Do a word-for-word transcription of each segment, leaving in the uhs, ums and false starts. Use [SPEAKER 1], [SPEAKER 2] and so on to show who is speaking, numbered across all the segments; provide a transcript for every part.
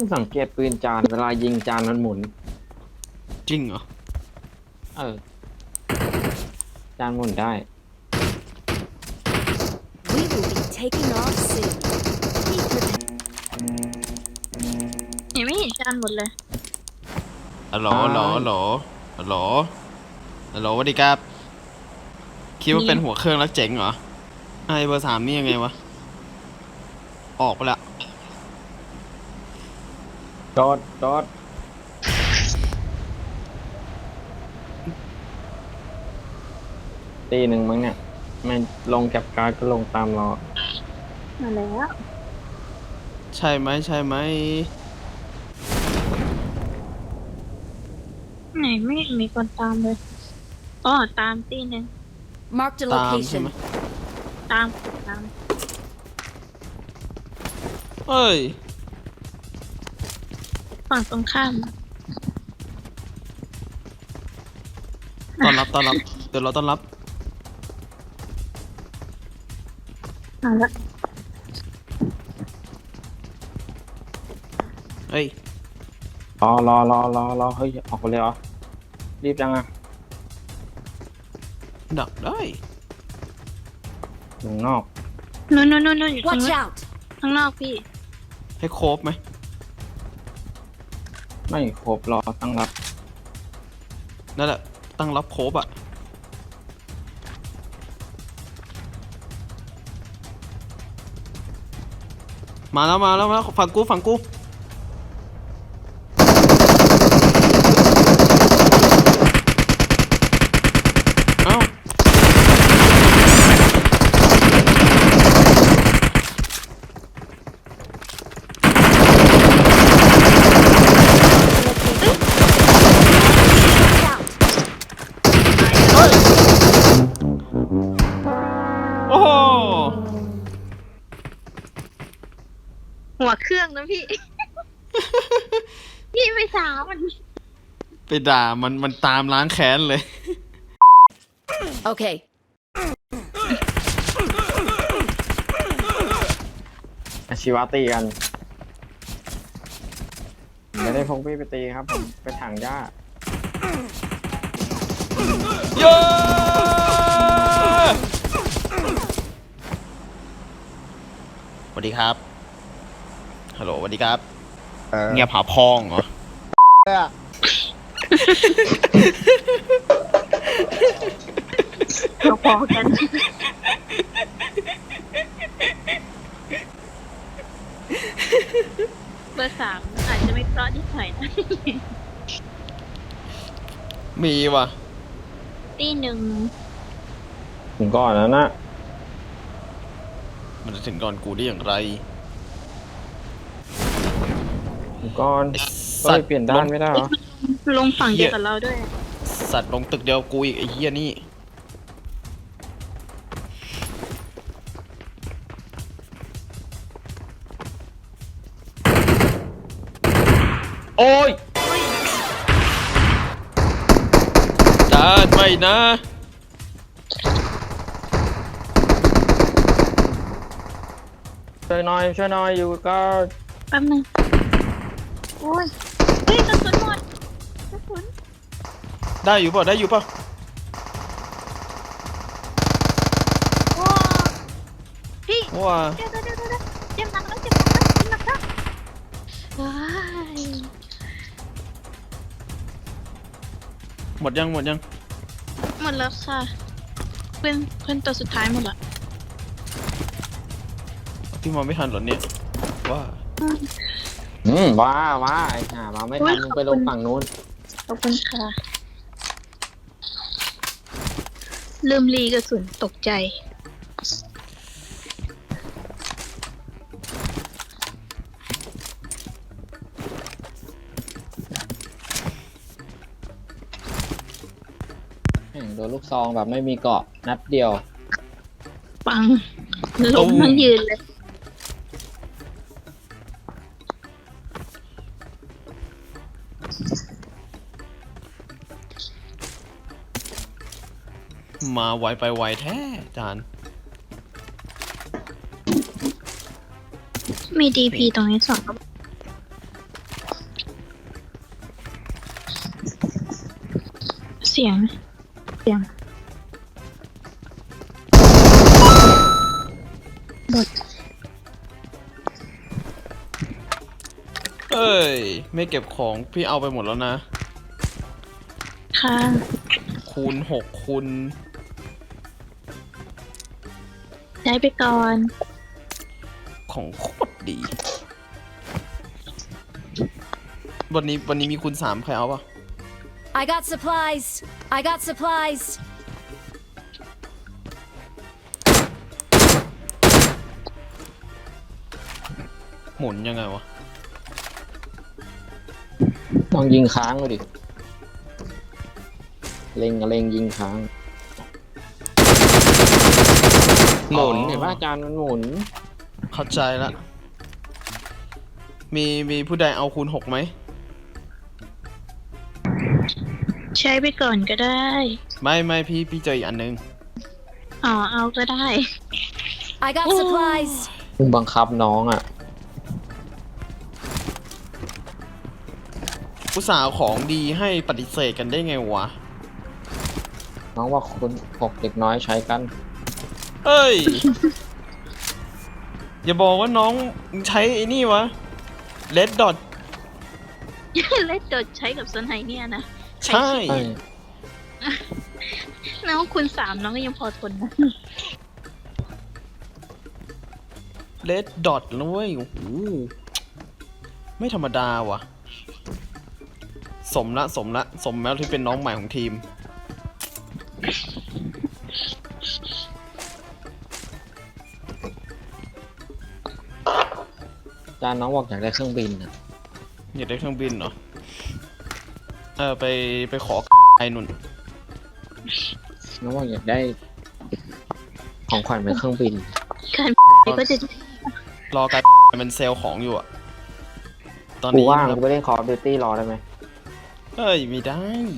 [SPEAKER 1] สังเกตปืนจานเวลายิงจานมันหมุน
[SPEAKER 2] จริงเหรอ
[SPEAKER 1] เออจานหมุนได้
[SPEAKER 3] We will be taking off soon. Keep prepared.
[SPEAKER 4] ยังไม่เห็นจานหมดเลย
[SPEAKER 2] ฮัลโหลฮัลโหลฮัลโหลฮัลโหลฮัลโหลสวัสดีครับคิดว่าเป็นหัวเครื่องแล้วเจ๋งเหรอไอเบอร์สามนี่ยังไงวะออกไปละ
[SPEAKER 1] โดดโดดตีหนึ่งมั้งเนี่ยมันลงแก็บการ์ดก็ลงตามเรา
[SPEAKER 4] มาแล้ว
[SPEAKER 2] ใช่ไหมใช่ไหม
[SPEAKER 4] ไหนไม่เห็นมีคนตามเลยอ๋อตามตีหนึ่ง
[SPEAKER 3] Marked a
[SPEAKER 2] ตามใช่ไหม
[SPEAKER 3] location.
[SPEAKER 4] ตามตาม
[SPEAKER 2] เอ้ย
[SPEAKER 4] ฝั่งตรงข้าม
[SPEAKER 2] ต้อนรับต้อนรับเดี๋ยวเราต้อนรับ
[SPEAKER 4] มาแล้ว
[SPEAKER 2] เฮ้ย
[SPEAKER 1] รอรอรอรอรอเฮ้ยออกไปเลยเหรอรีบจังอะ
[SPEAKER 2] ดักได้
[SPEAKER 1] อยู่นอก
[SPEAKER 4] นู่นนู่นนู่นอยู่ข้าง
[SPEAKER 3] Watch
[SPEAKER 4] นอก
[SPEAKER 3] out!
[SPEAKER 4] ข้างนอกพี่
[SPEAKER 2] ให้โคบไหม
[SPEAKER 1] ไม่ครบรอตั้งรับ
[SPEAKER 2] นั่นแหละตั้งรับโคบอะมาแล้วมาแล้วมาแล้วฝั่งกูฝั่งกูเอ้าโอ้โห
[SPEAKER 4] หัวเครื่องนะพี่ พี่ไม่ถามมัน
[SPEAKER 2] ไปด่ามันมันตามล้างแค้นเลย
[SPEAKER 3] Okay.
[SPEAKER 1] อาชีวะตีกันไม่ได้พกพี่ไปตีครับผมไปถังหญ้า
[SPEAKER 2] เย้สวัสดีครับ ฮัลโหลสวัสดีครับ เงียบหาพองเหรอ
[SPEAKER 4] เราพอกัน เบอร์สามอาจจะไม่เพราะที่หน่อยนะ
[SPEAKER 2] มีว่ะ
[SPEAKER 4] ตีหนึ่ง
[SPEAKER 1] ถึงก่อนแล้วนะ
[SPEAKER 2] มันจะถึงก่อนกูได้อย่างไร
[SPEAKER 1] ถึงก่อน
[SPEAKER 2] ไอ้
[SPEAKER 1] ก็
[SPEAKER 2] สั
[SPEAKER 1] เล
[SPEAKER 2] ต
[SPEAKER 1] ย
[SPEAKER 2] ว์
[SPEAKER 1] เปลี่ยนด้านไม่ได้เหรอ
[SPEAKER 4] ลงฝั่งเดียวกับเราด้วย
[SPEAKER 2] สัตว์ลงตึกเดียวกูอีกไอ้เหี้ยนี่
[SPEAKER 1] โอ้ย
[SPEAKER 2] จานไม่นะ
[SPEAKER 1] ช่วยหน่อยช่วยหน่อยอยู่ก็
[SPEAKER 4] แป๊บนึงโอ้ยเฮ้ยกระสุนหมดกระสุน
[SPEAKER 2] ได้อยู่ป่ะได้อยู่ป่ะ
[SPEAKER 4] โอ้พี่
[SPEAKER 2] ว้า
[SPEAKER 4] เดี๋ยวเดี๋ยวเดี๋ยวเดี๋ยวเจ็บหนักแล้วเจ็บหนักแล้วเจ็บหนักแล้วว้าย
[SPEAKER 2] หมดยังหมดยัง
[SPEAKER 4] หมดแล้วค่ะเพื่อนเพื่อนตัวสุดท้ายหมดละ
[SPEAKER 2] พี่มองไม่ทันเหรอเนี่ยว่า
[SPEAKER 1] อืมว้าว้าไอ้ห่ามาไม่ทันมึงไปลงฝั่งนู้น
[SPEAKER 4] ขอบคุณค่ะลืมรีกระสุนตกใจ
[SPEAKER 1] แม่งโดนลูกซองแบบไม่มีเกาะนัดเดียว
[SPEAKER 4] ปังล้มทั้งยืนเลย
[SPEAKER 2] มาไวไปไวแท้จาน
[SPEAKER 4] มีดีพีตรงนี้สองกระบอกเสียง เสียงบท
[SPEAKER 2] เอ้ย ไม่เก็บของพี่เอาไปหมดแล้วนะ
[SPEAKER 4] ค่ะ
[SPEAKER 2] คูณหกคูณ
[SPEAKER 4] ใช้ไปก่อน
[SPEAKER 2] ของโคตรดี วันนี้วันนี้มีคูณสามใครเอาปะ
[SPEAKER 3] I got supplies. I got supplies.
[SPEAKER 2] หมุนยังไงวะ
[SPEAKER 1] ลองยิงค้างดูดิเล็งกับเล็งยิงค้างหมุนเห็นป่ะอาจารย์มันหมุน
[SPEAKER 2] เข้าใจละ มีมีผู้ใดเอาคูณหกไหม
[SPEAKER 4] ใช้ไปก่อนก็ได้
[SPEAKER 2] ไม่ไม่พี่พี่เจออีกอันนึง
[SPEAKER 4] อ๋อ เอาก็ได้
[SPEAKER 3] I got supplies.
[SPEAKER 1] มึงบังคับน้องอ่ะ
[SPEAKER 2] อุตส่าห์เอาของดีให้ปฏิเสธกันได้ไงวะ
[SPEAKER 1] น้องว่าคุณหกเด็กน้อยใช้กัน
[SPEAKER 2] เอ้ย อย่าบอกว่าน้องใช้ไอ้นี่วะ Red Dot
[SPEAKER 4] เล่นโดดใช้กับโซนไฮเนี่ยนะ
[SPEAKER 2] ใช่
[SPEAKER 1] ใช่
[SPEAKER 4] น้องคุณสามน้องก็ยังพอทนนะ
[SPEAKER 2] Red Dot นะเว้ยโอ้โหไม่ธรรมดาว่ะ สมละสมละสมแล้วที่เป็นน้องใหม่ของทีม
[SPEAKER 1] อาจารย์น้องบอกอยากได้เครื่องบินอ่ะ
[SPEAKER 2] อยากได้เครื่องบินเหรอ เออไปไปขอไอ้นุ่น
[SPEAKER 1] น้องบอกอยากได้ ของขวัญเป็นเครื่องบิน
[SPEAKER 4] การก็จะ
[SPEAKER 2] รอการมันเซลล์ของอยู่อะตอน
[SPEAKER 1] กู
[SPEAKER 2] นี้
[SPEAKER 1] ว่าง
[SPEAKER 2] แบ
[SPEAKER 1] กู
[SPEAKER 2] บ
[SPEAKER 1] ไปเล่นคอร์ดิวตี้รอได้ไหม
[SPEAKER 2] เอ้ยไม่ได้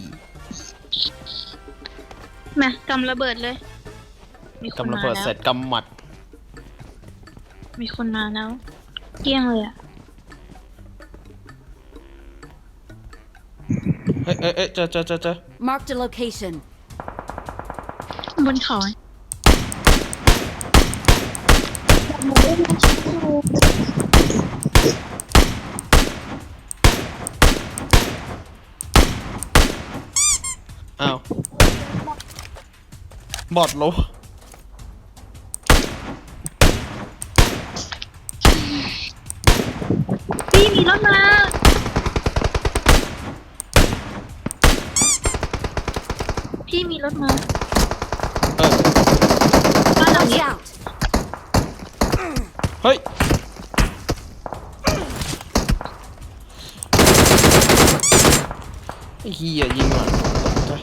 [SPEAKER 4] มากำระเบิดเลย มีคน
[SPEAKER 2] กำลัง
[SPEAKER 4] มา
[SPEAKER 2] เปิด
[SPEAKER 4] แล้
[SPEAKER 2] เสร็
[SPEAKER 4] ว
[SPEAKER 2] จกำหมัด
[SPEAKER 4] มีคนมาแล้ว เกลี้ยงเลยอ่ะ
[SPEAKER 2] เอ้ยเอ้ยเอ้ยเจอเจอเจอเจอ
[SPEAKER 3] Marked a location.
[SPEAKER 4] บนเขา
[SPEAKER 2] อ้าว บอดโล
[SPEAKER 4] พี่มีรถมา พี่มีรถมา
[SPEAKER 2] เออ
[SPEAKER 4] บ้านหลัง
[SPEAKER 3] Watch
[SPEAKER 4] นี้
[SPEAKER 3] out.
[SPEAKER 2] เฮ้ย ไอ้เหี้ยยิงว่ะตกใจ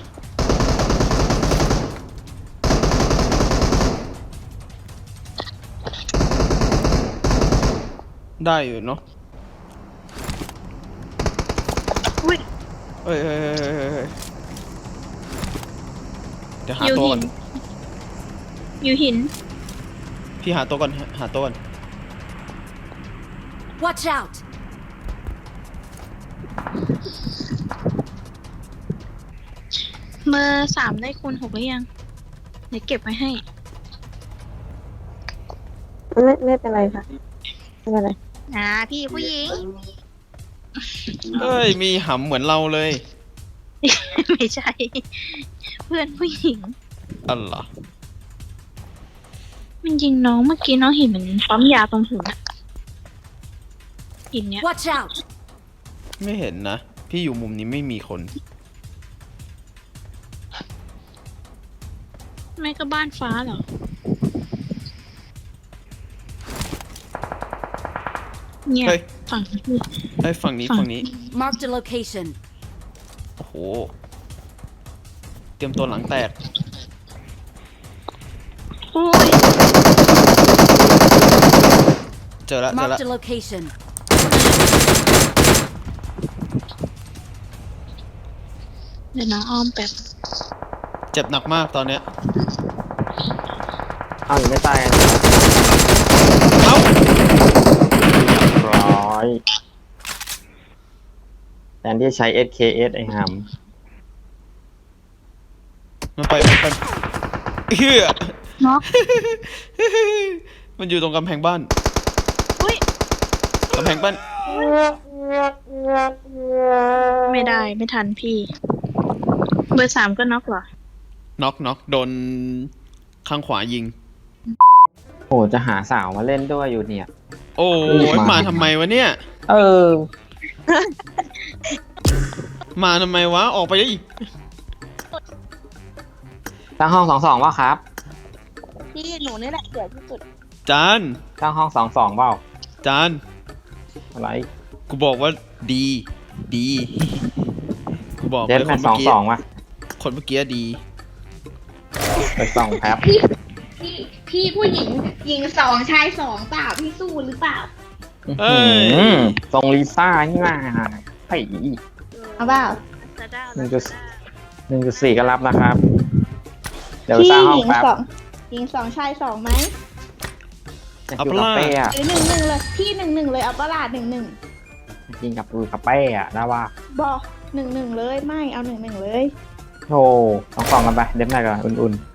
[SPEAKER 2] ได้อยู่เนาะ
[SPEAKER 4] อุ้ย
[SPEAKER 2] เอ้ยเอ้ยเอ้ยเอ้ยเอ้ยเดี๋ยวหา
[SPEAKER 4] อยู่
[SPEAKER 2] ตัว
[SPEAKER 4] หิ
[SPEAKER 2] ก่อน
[SPEAKER 4] น อยู่หิน
[SPEAKER 2] พี่หาตัวก่อนหาตัวก่อน
[SPEAKER 3] Watch out.
[SPEAKER 4] เบอร์สามได้คูณหกหรือยัง เดี๋ยวเก็บไว้ให้
[SPEAKER 5] ไม่ไม่เป็นไรค่ะไม่เป็นไร
[SPEAKER 4] อ่า พี่ผู้หญิง
[SPEAKER 2] เอ้ย มีหำเหมือนเราเลย
[SPEAKER 4] ไม่ใช่ เพื่อนผู้หญิง
[SPEAKER 2] อันเหรอ
[SPEAKER 4] มันยิงน้องเมื่อกี้น้องเห็นเหมือนปั๊มยาตรงหัวหินเนี้ย
[SPEAKER 3] Watch out.
[SPEAKER 2] ไม่เห็นนะ พี่อยู่มุมนี้ไม่มีคน
[SPEAKER 4] ไม่ก็บ้านฟ้าเหรอ เนี่ย
[SPEAKER 2] เฮ้ย
[SPEAKER 4] ฝั่งนี้
[SPEAKER 2] ไอ้ยฝั่งนี้
[SPEAKER 4] ฝั่ง
[SPEAKER 2] ฝั่งนี้
[SPEAKER 3] Marked a location.
[SPEAKER 2] โอ้โห เตรียมตัวหลังแตก
[SPEAKER 4] โอ้ย
[SPEAKER 2] เจอแล้วเจอแล้ว
[SPEAKER 3] Marked a location.
[SPEAKER 4] เดี๋ยวน้องอ้อมแป๊บ
[SPEAKER 2] เจ็บหนักมากตอนเนี้ย
[SPEAKER 1] อ้าวยังไม่ตายกัน
[SPEAKER 2] เอ้า
[SPEAKER 1] เรียบร้อยแทนที่จะใช้ เอส เค เอส ไอ้ห
[SPEAKER 2] มันไปมันไปเฮีย
[SPEAKER 4] เนาะ
[SPEAKER 2] มันอยู่ตรงกำแพงบ้าน
[SPEAKER 4] อุ้ย
[SPEAKER 2] กำแพงบ้าน
[SPEAKER 4] ไม่ได้ไม่ทันพี่ เบอร์สามก็น็อกเหรอ
[SPEAKER 2] น็อกน็อกโดนข้างขวายิง
[SPEAKER 1] โอ้จะหาสาวมาเล่นด้วยอยู่เนี่ย
[SPEAKER 2] โอ้ยมาทำไมวะเนี่ย
[SPEAKER 1] เออ
[SPEAKER 2] มาทำไมวะ ออกไปดิ
[SPEAKER 1] ตั้งห้องสองสองว่าครับ
[SPEAKER 4] พี่หนูนี่แหละเสียที่สุด
[SPEAKER 2] จาน
[SPEAKER 1] ตั้งห้องสองสองเปล่า
[SPEAKER 2] จาน
[SPEAKER 1] อะไร
[SPEAKER 2] กูบอกว่าดี ดี กูบอก
[SPEAKER 1] เจ็ด
[SPEAKER 2] เลย
[SPEAKER 1] แม
[SPEAKER 2] คน
[SPEAKER 1] สส
[SPEAKER 2] เมื่
[SPEAKER 1] อ
[SPEAKER 2] อง กี้
[SPEAKER 1] สองว่ะ
[SPEAKER 2] คนเมื่อกี้ดี
[SPEAKER 1] ไปสองแป๊บ
[SPEAKER 6] พี่พี่พี่ผู้หญิงหญิงสองชายสองเปล่าพี่สู้หรือเปล่า
[SPEAKER 2] เอ้ย
[SPEAKER 1] อืมทรงลิซ่านี่มาไอ้
[SPEAKER 6] เอาเปล่า
[SPEAKER 4] จะได้
[SPEAKER 1] หนึ่งจุดหนึ่งจุดสี่ก็รับนะครับ เดี๋ยว
[SPEAKER 6] พี่
[SPEAKER 1] สร้างห้อ
[SPEAKER 6] ห
[SPEAKER 1] ง
[SPEAKER 6] ญิง
[SPEAKER 1] แป๊บ
[SPEAKER 6] สองหญิงสองชายสองไหม
[SPEAKER 1] จะอยู่กับเป้อะ
[SPEAKER 6] หรือหนึ่งหนึ่งเลยพี่หนึ่งหนึ่งเลยเอาปะลาดหนึ่งหนึ่ง
[SPEAKER 1] จริงกับอยู่กับเป้อะนะว่า
[SPEAKER 6] บอกหนึ่งหนึ่งเลยไม่เอาหนึ่งหนึ่งเลย
[SPEAKER 1] โธ่สองสองกันไปเด็บหน่อยก่อนอุ่นๆ